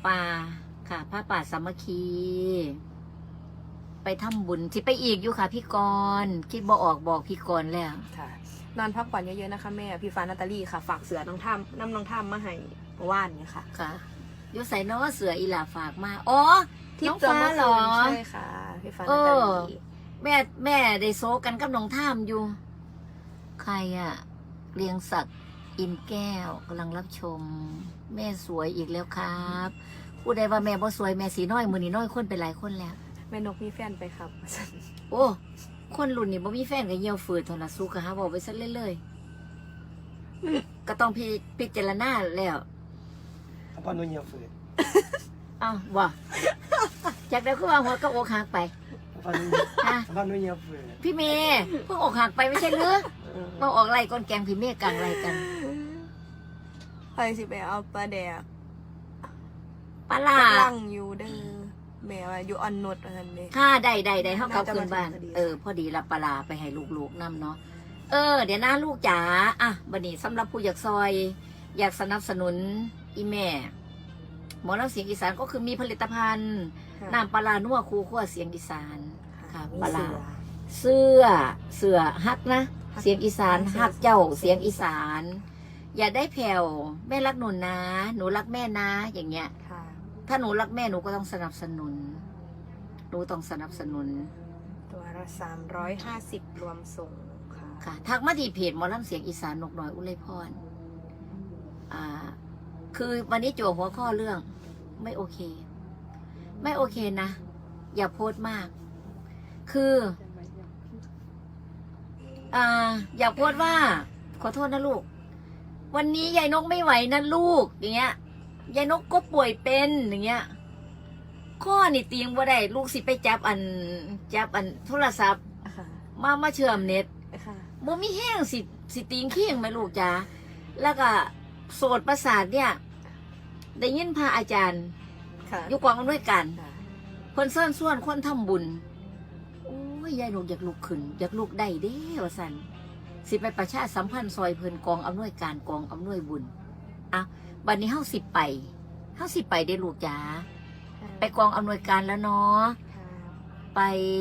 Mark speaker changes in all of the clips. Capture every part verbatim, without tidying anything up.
Speaker 1: ป่าค่ะผ้าป่าสามัคคี ไปทำบุญที่ไปอีกอยู่ค่ะพี่กรณ์คิดบ่ออกบอกพี่กรณ์แล้ว
Speaker 2: ค่ะนอนพักผ่อนเยอะๆนะคะแม่พี่ฟ้านาตาลีค่ะฝากเสือน้องท่ามน้ำน้องท่ามมาให้เมื่อวานเนี่ยค่ะ
Speaker 1: ค่ะยศใส่น้อเสืออีหลาฝากมาอ๋อน้องฟ้าเหรอ
Speaker 2: ใช่ค่ะพี่ฟ้า
Speaker 1: เอ
Speaker 2: นาตา
Speaker 1: อ
Speaker 2: ลี
Speaker 1: แม่แม่ได้โซกันกับน้องท่ามอยู่ ใครอะเรียงศักดิ์อินแก้วกำลังรับชม แม่สวยอีกแล้วครับผู้ใดว่าแม่บ่สวยแม่สีน้อยมือนี่น้อยคนเป็นหลายคนแล้ว
Speaker 2: แม่นกมีแฟนไปครับ
Speaker 1: โอ้คนรุ่นนี้บ่มีแฟนก็เหี่ยวฝืดโทรศัพท์ก็หาบอกไปซะเรื่อยๆก็ต้องพิพิจารณาแล้ว
Speaker 3: เอาปานนุ่นเหี่ยวฝืด
Speaker 1: อ้าวบ่จากเดี๋ยวก็ว่าหัวก็อกหักไป
Speaker 3: เอาปานนุ่น
Speaker 1: อ่ะ
Speaker 3: เอาปานนุ่นเหี่ยวฝืด
Speaker 1: พี่เมย์เพิ่งอกหักไปไม่ใช่หรือมาออกไรก้นแกงพี่เมย์กลางไรกัน
Speaker 2: ใครสิไปเอาปลาแดก
Speaker 1: ปลาล่า
Speaker 2: ลังอยู่เด้อแม่ว่าอยู่ออนนดอะไรนี่
Speaker 1: ค่าได้ได้ได้เท่ากับคืนบ้าน
Speaker 2: น่าจะมาถึงพอดี
Speaker 1: เออ พอดีรับปลาร้าไปให้ลูกๆนำเนาะเออ เดี๋ยวนะลูกจ๋าอ่ะบัดนี้สำหรับผู้อยากซอย อยากสนับสนุนอีแม่ หมอลำเสียงอีสานก็คือมีผลิตภัณฑ์
Speaker 2: ค่ะ
Speaker 1: น้ำปลาร้านัวคูขั้วเสียงอีสาน ค่ะ
Speaker 2: มี
Speaker 1: ปลาร้า
Speaker 2: เสือ
Speaker 1: เสื้อเสื้อฮักนะ
Speaker 2: ฮัก
Speaker 1: เสียงอีสาน
Speaker 2: ฮัก
Speaker 1: ฮักเจ้า
Speaker 2: เสี
Speaker 1: เสีย
Speaker 2: ย
Speaker 1: ง
Speaker 2: ง
Speaker 1: อีสาน อย่าได้แผ่วแม่รักหนูนะ หนูรักแม่นะ อย่างเงี้ย
Speaker 2: ค่ะ
Speaker 1: ถ้าหนูรักแม่หนูก็ต้องสนับสนุนหนูต้องสนับสนุน
Speaker 2: ตัวละสามร้อยห้าสิบรวมส่งค่ะ
Speaker 1: ค่ะทักมาที่เพจหมอลำเสียงอีสานนกน้อยอุไรพรอ่า คือวันนี้โจวหัวข้อเรื่อง ไม่โอเค ไม่โอเคนะ อย่าโพสต์มาก คือ อ่า อย่าโพสต์ว่า ขอโทษนะลูก วันนี้ยายนกไม่ไหวนะลูก อย่างเงี้ยยายนกก็ป่วยเป็นอย่างเงี้ย ข้อนี่เตียงว่าได้ลูกสิไปจับอัน จับอันโทรศัพท์
Speaker 2: ค่ะ
Speaker 1: มามาเชื่อมเน็ต
Speaker 2: ค่ะ
Speaker 1: บ่มีแห้งสิสิตีงเคียงไหมลูกจ้าแล้วก็โสดประสาทเนี่ย ได้ยินพระอาจารย์
Speaker 2: ค่ะ
Speaker 1: อยู่กองกันด้วยกัน
Speaker 2: ค่ะ
Speaker 1: เพิ่นเชิญส่วนคนทำบุญ โอ้ยยายหนูอยากลุกขึ้น อยากลุกได้เด้ว่าสันสิไปประชาสัมพันธ์ซอยเพิ่นกองอำนวยการกองอำนวยบุญอ่ะบัดนี้เฮาสิไปเฮาสิไปได้ลูกจ้าไปกองอำนวยการแล้วเนาะ
Speaker 2: ค่ะ
Speaker 1: ไป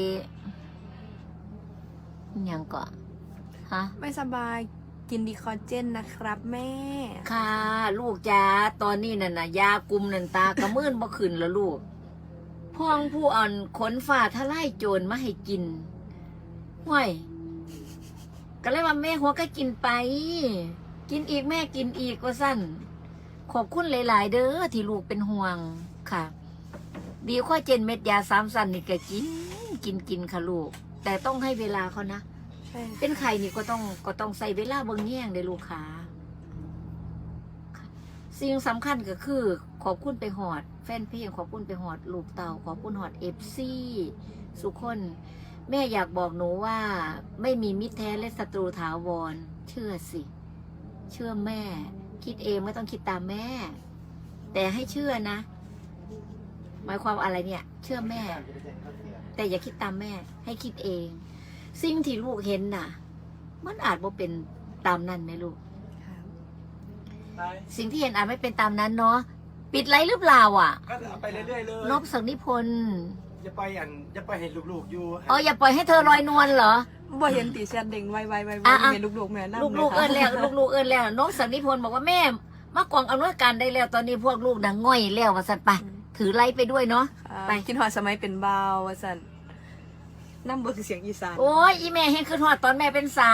Speaker 1: อิหยังก่อนฮะ
Speaker 2: ไม่สบายกินดีคอเจนนะครับแม่
Speaker 1: ค่ะ ลูกจ้าตอนนี้น่ะนะยากลุ่มนันตากระมื่นบ่ขึ้นแล้วลูกพ่องผู้อ่อนขนฝ่าทลายโจรมาให้กินห่วยก็เลยว่าแม่หัวก็กินไป กินอีกแม่กินอีกว่าสั้นขอบคุณหลาย ๆ เด้อที่ลูกเป็นห่วงค่ะ ดีข้อเจนเม็ดยาสามสันนี่ก็กิน กินกินค่ะลูก แต่ต้องให้เวลาเขานะ
Speaker 2: ใช่ค่ะ
Speaker 1: เป็นไข่นี่ก็ต้องก็ต้องใส่เวลาเบิ่งแย่งเลยลูกค้าค่ะสิ่งสำคัญก็คือ ขอบคุณไปหอด แฟนเพลงขอบคุณไปหอด ลูกเต่าขอบคุณหอดเอฟซีสุคน แม่อยากบอกหนูว่า ไม่มีมิตรแท้และศัตรูถาวร เชื่อสิ เชื่อแม่ คิดเองไม่ต้องคิดตามแม่ แต่ให้เชื่อนะ หมายความอะไรเนี่ย เชื่อแม่ แต่อย่าคิดตามแม่ ให้คิดเอง สิ่งที่ลูกเห็นน่ะ มันอาจบ่เป็นตามนั้นไหมลูก
Speaker 2: ค่ะ
Speaker 1: สิ่งที่เห็นอาจไม่เป็นตามนั้นเนาะ ปิดไลฟ์หรือเปล่าอ่ะ
Speaker 3: ก็เอาไปเรื่อยๆเลย
Speaker 1: นบสักนิพนธ์
Speaker 3: อย่าไปอันอย่าไปเห็นลูกๆอยู่
Speaker 1: อ๋ออย่าปล่อยให้เธอลอยนวลเหรอ
Speaker 2: บ่เห็นตีแชนเด้งไวไวไวไว
Speaker 1: อ่ะอ่ะ
Speaker 2: เห็นลูกๆแม่นั่ง
Speaker 1: ลูกๆเอินแล้ว ลูกๆเอินแล้วนบสักนิพนธ์บอกว่าแม่มากองอำนวยการได้แล้ว ตอนนี้พวกลูกดังง่อยแล้วว่าสันไป ถือไลฟ์ไปด้วยเนาะ ไป
Speaker 2: ไปกินหอดสมัยเป็นบ่าวว่าสันน้ำเบิกเสียงอีสาน
Speaker 1: โอ้ยอีแม่ให้ขึ้นหอดตอนแม่เป็นสาว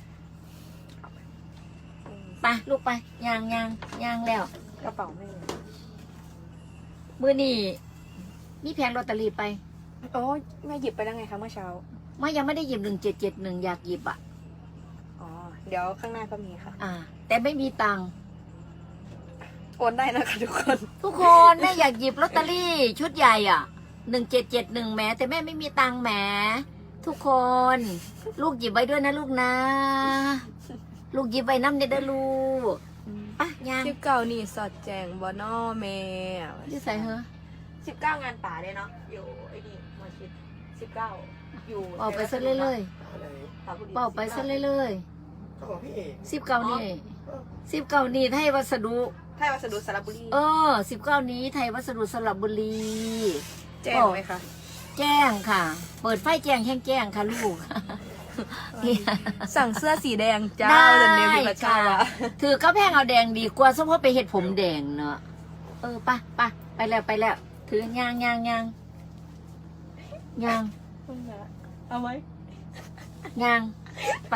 Speaker 1: ไปลูกไปยางยางยางแล้ว
Speaker 2: กระเป๋าแม่
Speaker 1: มือนี่มีแผงลอตเตอรี่ไป
Speaker 2: โอ้ยแม่หยิบไปแล้วไงคะเมื่อเช้า
Speaker 1: ไม่ยังไม่ได้หยิบหนึ่งเจ็ดเจ็ดหนึ่งอยากหยิบอ่ะ
Speaker 2: อ๋อเดี๋ยวข้างหน้าก็มีค่ะ
Speaker 1: อ่า แต่ไม่มีตังค์
Speaker 2: โอนได้นะคะทุกคน
Speaker 1: ทุกคนแม่อยากหยิบลอตเตอรี่ชุดใหญ่อ่ะหนึ่งเจ็ดเจ็ดหนึ่งแหมแต่แม่ไม่มีตังค์แหมทุกคน ลูกหยิบไว้ด้วยนะลูกนะ ลูกหยิบไว้น้ำเด็ดเด้อลูกปะยัง
Speaker 2: สิบเก้านี่สอดแจงบอนอแม่
Speaker 1: ที่ใส่เหรอ
Speaker 2: สิบเก้างานป่าเลยเนาะอยู่ไอ้นี่มาชิดสิบเก้าอยู่
Speaker 1: เป่าไปซะเรื่อย
Speaker 3: อะไร
Speaker 1: ๆเป่าไปซะเรื่อย
Speaker 3: ก็ของพี่เอก
Speaker 1: ๆสิบเก้านี่สิบเก้านี่ให้วัสดุ
Speaker 3: ท
Speaker 2: ไทยวัสดุสระบุรี
Speaker 1: เออสิบเก้านี้ไทยวัสดุสระบุรี
Speaker 2: แจ้งไหมคะ
Speaker 1: แจ้งค่ะ เปิดไฟแจ้งแห้งแจ้งค่ะลูก
Speaker 2: สั่งเสื้อสีแดงจ้า
Speaker 1: ได้
Speaker 2: เดนเดวิดประชา
Speaker 1: ค่ะ
Speaker 2: วะ
Speaker 1: ถือกระแพงเอาแดงดีกว่าสมมติไปเห็ดผมแดงเนอะเออไปะปะไปแล้วไปแล้ว ถือยางยางยางยาง
Speaker 2: เอาไว้
Speaker 1: ยางไป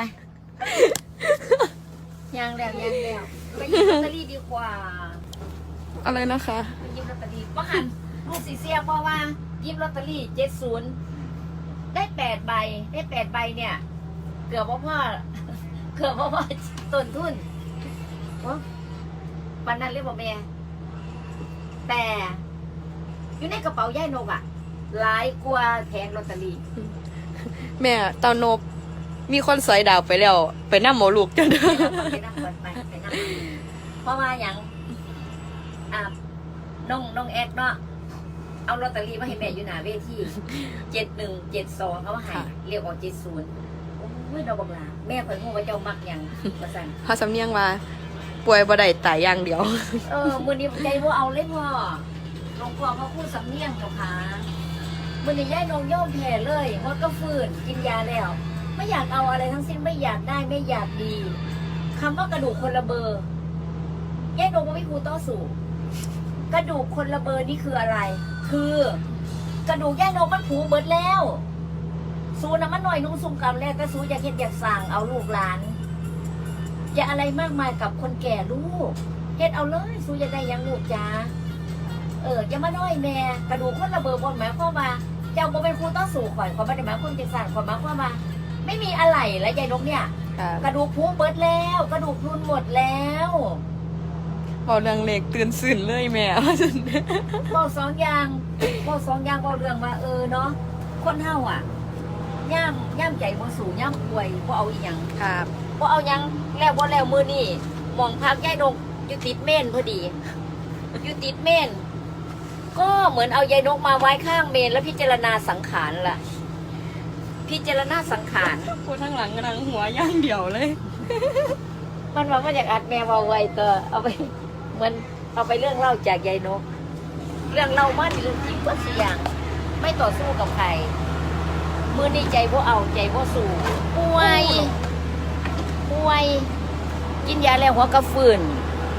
Speaker 1: ยางแล้วยางแล้วไปหยิบลอตเตอรี่ดีกว่า
Speaker 2: อะไรนะคะ
Speaker 1: ไปหยิบลอตเตอรี่ว่าหันลูกสีเสียเพราะว่าหยิบลอตเตอรี่เจ็ดศูนย์ได้แปดใบได้แปดใบเนี่ย เกือบว่าพ่อ เกือบว่าพ่อต้นทุนวะวันนั้นเรียกว่าแม่แต่อยู่ในกระเป๋าย่ายนกอะหลายกว่าแผงลอตเตอรี่
Speaker 2: แม่ตอนนบมีคนสอยดาวไปแล้ว ไปนั่งหมอลูกจนเด้อ
Speaker 1: ไปนั่งก่อนไปไปนั่งเพราะว่าอย่างอ่าน้องน้องแอกเนาะเอาลอตเตอรี่มาให้แม่อยู่หน้าเวทีเจ็ดหนึ่งเจ็ดสองเขาให้เรียกออกเจ็ดศูนย์โอ้ยเราบังลาแม่เพิ่นพูดว่าเจ้ามักหยังประสัน
Speaker 2: พอสำเนียงว่าป่วยบ่ได้ตายอย่างเดียว
Speaker 1: เออมือนี้ใจบ่เอาเลยพ่อหลวงพ่อเขาพูดสำเนียงเจ้าค่ะมือนี้ย่ายนงย่อมแผ่เลยมดก็ฟื้นกินยาแล้ว ไม่อยากเอาอะไรทั้งสิ้นไม่อยากได้ไม่อยากดีคำว่ากระดูกคนละเบอร์ย่ายนงว่าไม่ครูต่อสู้กระดูกคนละเบอร์นี่คืออะไร คือกระดูกย่ายนงมันผูเบิดแล้วสูนะมันหน่อยนุ่งซุ่มกำแรกแต่สูอยากเห็นอยากสั่งเอาลูกหลานอย่าอะไรมากมายกับคนแก่ลูกเฮ็ดเอาเลยสูอยากได้หยังลูกจ้าเออจะมาน้อยแม่กระดูกคนละเบอร์บนหมายความว่าเจ้าบ่เป็นครูต้องสู่ข่อยขอไม่ได้หมายความจะสั่งขอหมายความว่าไม่มีอะไรแล้วยายนกเนี่ย กระดูกพุเบิดแล้ว กระดูกพรุนหมดแล้ว
Speaker 2: พอเรื่องเล็กตื่นสื่นเลยแม่
Speaker 1: บอกสองอย่างบอกสองอย่างบอกเรื่องว่าเออเนาะคนเฮาอ่ะย่ามย่ามใจบ่สู่ย่ามป่วยบ่เอาอีหยัง
Speaker 2: ครับ
Speaker 1: บ่เอาหยังแล้วบ่แล้วมื้อนี้หมองพักยายนกอยู่ติดเม่นพอดีอยู่ติดเม่นก็เหมือนเอายายนกมาไว้ข้างเมนแล้วพิจารณาสังขารล่ะ พิจารณาสังขาร
Speaker 2: พูดทั้งหลังกำลังหัวย่างเดียวเลย
Speaker 1: มันว่ามาจากอัดแมวเอาไว้ตัวเอาไปเหมือนเอาไปเรื่องเล่าจากยายนก เรื่องเล่ามันเรื่องจริงก็เสียงไม่ต่อสู้กับใครมือนี้ใจพวเอาใจพวสู้ป่วยป่วย กินยาแล้วหัวกระฟืน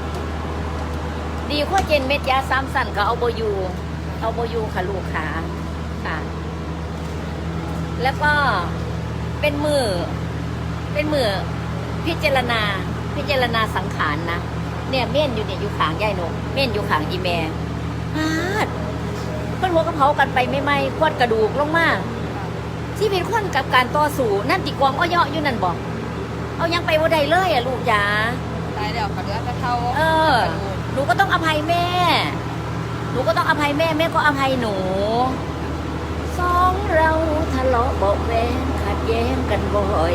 Speaker 1: ดีข้อเจนเม็ดยาซ้ำสั่นก็เอาโบอยูเอาโบอยูค่ะลูกขาค่ะ แล้วก็เป็นมือเป็นมือพิจารณาพิจารณาสังขารนะเนี่ยเม่นอยู่เนี่ยอยู่ขางยายนกเม่นอยู่ขางอีแม่ฮาดเพิ่นหัวกระเพรากันไปไม่ไหมควัดกระดูกลงมาที่เป็นคนกับการต่อสู้นั่นติกวางอ้อยอยู่นั่นบอกเอายังไปว่าใดเลยอ่ะลูกจ๋า
Speaker 2: ตายแล้วค่ะเหลือแต่เท่า
Speaker 1: เออหนูก็ต้องอภัยแม่หนูก็ต้องอภัยแม่แม่ก็อภัยหนูสองเราทะเลาะเบาะแว้งขัดแย้งกันบ่อย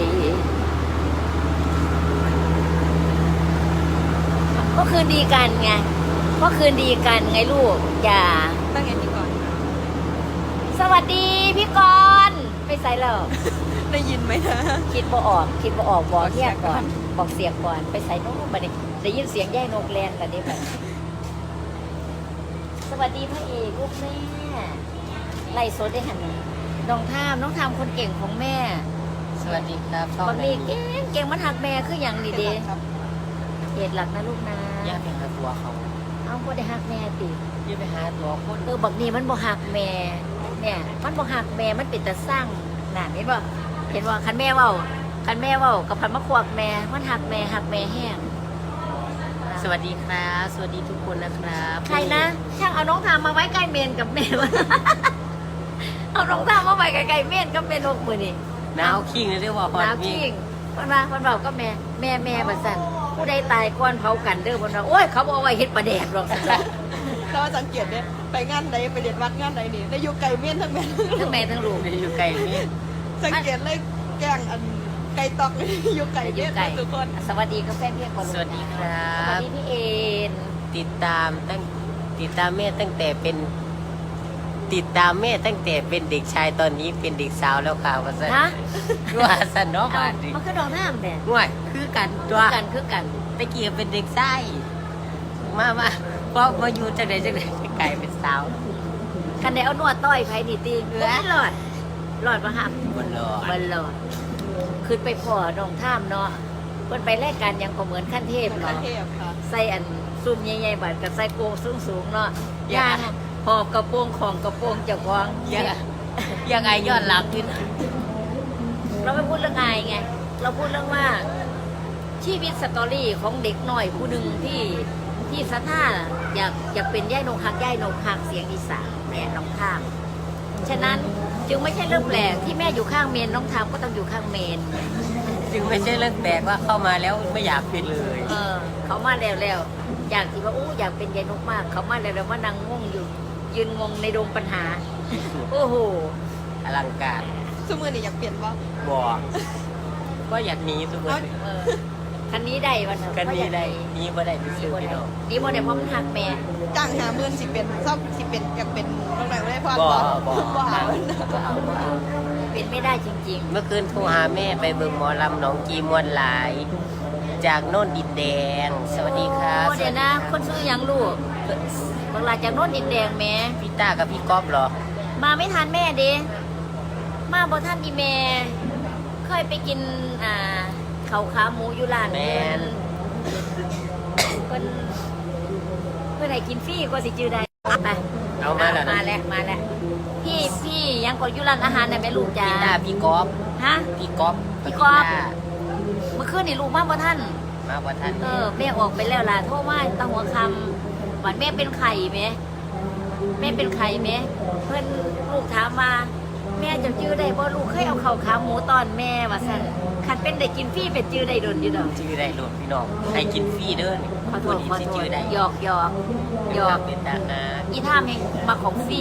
Speaker 1: ก็คืนดีกันไงก็คืนดีกันไงลูกอย่า
Speaker 2: ตั้งไงดีก่อน
Speaker 1: สวัสดีพี่กรณ์ไปใส่แล้ว
Speaker 2: ได้ยินไหมนะ
Speaker 1: คิดบ่ออกคิดบ่ออกบอกเทียบก่อนบอกเสียงก่อนไปใส่โน้ตมาดิได้ยินเสียงแย่นกแลนกันดิแบบสวัสดีพระเอกลูกแม่ไล่โซดได้หันน้องทามน้องทามคนเก่งของแม่
Speaker 4: สวัสดีครับ
Speaker 1: บางทีเก่งเก่งมันหักแม่คืออย่างดีเด
Speaker 2: ครับ
Speaker 1: เหตุหลักนะลูกนะ
Speaker 4: ย่าไปหาตัวเขา
Speaker 1: เอาบ่ได้หักแม่ติ
Speaker 4: ย่าไปหาตัวคน
Speaker 1: เออบักนี้มันบ่หักแม่เนี่ยมันบ่หักแม่มันเป็นแต่สร้างน่ะเห็นบ่เห็นว่าคันแม่เว้าคันแม่เว้ากับพันมะขวกแม่มันหักแม่หักแม่แห้ง
Speaker 4: สวัสดีครับสวัสดีทุกคนนะครับ
Speaker 1: ใครนะช่างเอาน้องทามมาไว้ใกล้เมนกับแม่วะ เอาน้องทามมาไว้ใกล้ๆเมนกับแม่นกมือนี่
Speaker 4: หนาวขิงเลยเรียกว่าฮอต
Speaker 1: น้ำ
Speaker 4: มี
Speaker 1: ขิงคนมาคนบอกก็แม่แม่แม่บัสันผู้ใดตายก่อนเผากันเด้อคนว่าโอ้ยเขาบอกว่าเฮ็ดประแดกหรอกสัน
Speaker 2: ถ้าว่าสังเกตเนี่ยไปงานใดไปเด็ดวัดงานใดนี่ได้อยู่ไก่เมี่ยนทั้งแม่
Speaker 1: ทั้งแม่ทั้งลูก
Speaker 4: อยู่ไกลนี่
Speaker 2: สังเกตเลยแกงอันไก่ตอกนี่อยู่ไก่เมี่ยนทุกคน
Speaker 1: สวัสดีกับแฟนเพียงก่อน
Speaker 4: สวัสดีครั
Speaker 1: สวัส
Speaker 4: บ
Speaker 1: ดีพี่เอ็น
Speaker 4: ติดตามตั้งติดตามแม่ตั้งแต่เป็น ติดตามแม่ตั้งแต่เป็นเด็กชายตอนนี้เป็นเด็กสาวแล้วค่ะว่าสัน
Speaker 1: ฮะ
Speaker 4: ว่าสันเนาะ
Speaker 1: เอา
Speaker 4: มาดิ
Speaker 1: มันคือดอกน้ำแดด
Speaker 4: ง่วยคือกันตั
Speaker 1: คื
Speaker 4: ว
Speaker 1: อกันคือกัน
Speaker 4: ตะเกียบเป็นเด็กไส้
Speaker 1: โ
Speaker 4: มามาพอมาอยู่จังไดจังไดกลายเป็นสาว
Speaker 1: คันได้เอานวดต้อยไผนี่ติบ่มีหลอดหลอดบ่ฮับ
Speaker 4: บ่รอ
Speaker 1: บ่หลอดขึ้นไปพ่อน้องท่ามเนาะเพิ่นไปรายการหยังก็เหมือนขั้นเทพ
Speaker 2: ขั้น
Speaker 1: เนาะ
Speaker 2: เทพค่ะ
Speaker 1: ใส่อันซุ่มใหญ่ๆบัดกับใส่โกงสูงๆเนาะย่างหอบกระโปรงของกระโปรงเจ้าของ
Speaker 4: ยังยังไงย้อนหลังขึ้น
Speaker 1: เราไม่พูดเรื่องอายไง เราพูดเรื่องว่าชีวิตสตอรี่ของเด็กหน่อยผู้หนึ่งที่ที่สะท่าอยากอยากเป็นย่ายนงคักย่ายนงคักเสียงอีสานแม่น้องทามฉะนั้นจึงไม่ใช่เรื่องแปลกที่แม่อยู่ข้างเมนน้องทามก็ต้องอยู่ข้างเมน
Speaker 4: จึงไม่ใช่เรื่องแปลกว่าเข้ามาแล้วไม่อยากเป็นเลย
Speaker 1: เออ เขามาแล้วแล้วอยากที่ว่าอู้อยากเป็นยายนกมาก เขามาแล้วแล้วว่านางงงอยู่ ยืนงงในดงปัญหา โอ้โห
Speaker 4: อลังการ
Speaker 2: สมือนี่อยากเปลี่ยนว่า
Speaker 4: บอกก็อยากหนีทุกคน
Speaker 1: เออคันนี้ได้วันเถอะ
Speaker 4: กันนี้ได้หนีบ่ได้ไป
Speaker 1: นี่
Speaker 4: ซื้อ
Speaker 1: บ่
Speaker 4: พี่
Speaker 1: ได้
Speaker 4: น้อง
Speaker 1: นี่บ่ได้เพราะมันหักแม่
Speaker 2: จ้างหาหมื่นสิเป็นชอบสิเป็นอยากเป็นตรงไหนไม่ได้พอ
Speaker 4: บ่
Speaker 2: บ่
Speaker 4: บ่
Speaker 2: บ่เอา
Speaker 4: บ่เอาบ่เอา
Speaker 1: เป็นไม่ได้จริง
Speaker 4: เมื่อคืนโทรหาแม่ไปเบิ่งหมอลำหนองกีมวนหลาย จากโน่นดินแดง สวัสดีค
Speaker 1: ๆ
Speaker 4: รับ
Speaker 1: โอ้เดี๋ยวนะ คนซื้อหยังลูกบางลาจากโน้นดินแดงแม่
Speaker 4: พี่ต้ากับพี่ก๊อฟเหรอ
Speaker 1: มาไม่ทันแม่เด้มาบ่ทันอีแม่ เคยไปกินอ่าข้าวขาหมูอยู่ร้าน
Speaker 4: แม่น
Speaker 1: เพิ่นเพิ่นให้กินฟรีกว่าสิจื้อได้ไป
Speaker 4: เอามาแล้ว
Speaker 1: มา
Speaker 4: นะ
Speaker 1: แล้วมาแล้วพี่พี่ยังก็อยู่ร้านอาหารน่ะแม่ลูกจ้า
Speaker 4: พี่ต้าพี่ก๊อฟ
Speaker 1: ฮะ
Speaker 4: พี่ก๊อฟ
Speaker 1: พี่ก๊อฟ
Speaker 4: ต้า
Speaker 1: เมื่อคืนนี่ลูกมาบ่ทัน
Speaker 4: มาบ่ทัน
Speaker 1: เออแม่ออกไปแล้วล่ะโทรมาตั้งหัวคำวันแม่เป็นไข่ไหมแม่เป็นไข่ไหมเพื่อนลูกถามมาแม่จะจื้อได้บ่ลูกเคยเอาข้าวขาหมูตอนแม่ว่าซั่นคันเป็นได้กินฟรีเป็นจื้อได้โดนอยู่ดอก
Speaker 4: ชื่อได้โลดพี่น้องให้กินฟรีเด้อนี่
Speaker 1: ขอโทษขอ
Speaker 4: สิ
Speaker 1: โท
Speaker 4: ชื่
Speaker 1: ษ
Speaker 4: อได้
Speaker 1: หยอกหยอกหยอก
Speaker 4: เป็นทหาร
Speaker 1: อีท่ามเองมาของฟรี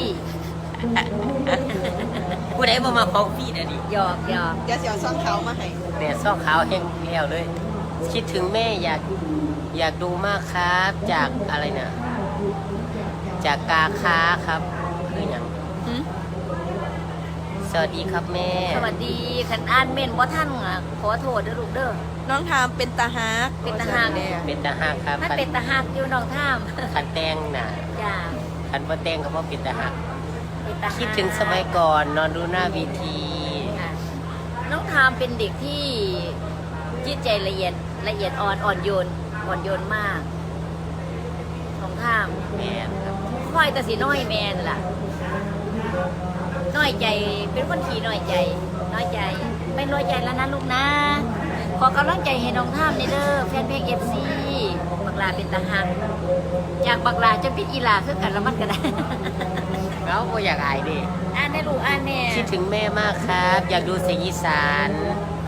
Speaker 4: ผู้ใดบ่มาของฟรีเด้อนี่
Speaker 1: หยอกหยอก
Speaker 2: เดี๋ยวเสียวซ่องเขามาให้
Speaker 4: แม่ซ่องขาวแห้งแล้วเลย คิดถึงแม่อยากอยากดูมากครับ จากอะไรนะ จากกาค้าครับคืออย่าง
Speaker 1: หึ
Speaker 4: สวัสดีครับแม่
Speaker 1: สวัสดีคันอ่านเม่นบ่ทันอ่ะขอโทษเด้อลูกเด้อ
Speaker 2: น้องทามเป็นตาฮัก
Speaker 1: เป็นตาฮัก
Speaker 4: เป็นตาหักครับ
Speaker 1: มันเป็นตาหักอยู่น้องท่าม
Speaker 4: คันแตงน่ะ
Speaker 1: จ้า
Speaker 4: คันบ่แตงก็บ่เป็นตาหัก
Speaker 1: เป็นตาหัก
Speaker 4: คิดถึงสมัยก่อนนอนดูหน้าเวีที
Speaker 1: ค่ะน้องทามเป็นเด็กที่จิตใจละเอียดละเอียดอ่อนอ่อนโยนอ่อนโยนมากน้องทาม
Speaker 4: แม่ครับ
Speaker 1: ค่อยแต่สีน้อยแมนล่ะ น้อยใจเป็นคนขี้น้อยใจ น้อยใจ ไม่น้อยใจแล้วนะลูกนะ ขอกำลังใจให้น้องทามในเด้อแฟนเพลงเอฟซีบักลาเป็นตาหักจากบักลาจะเป็นอีลาคือกันละมันก็ได้
Speaker 4: เราบ่อยากอายเดิ
Speaker 1: อ่านได้ลูกอ่านแน่
Speaker 4: คิดถึงแม่มากครับ อยากดูเสียงอีสาน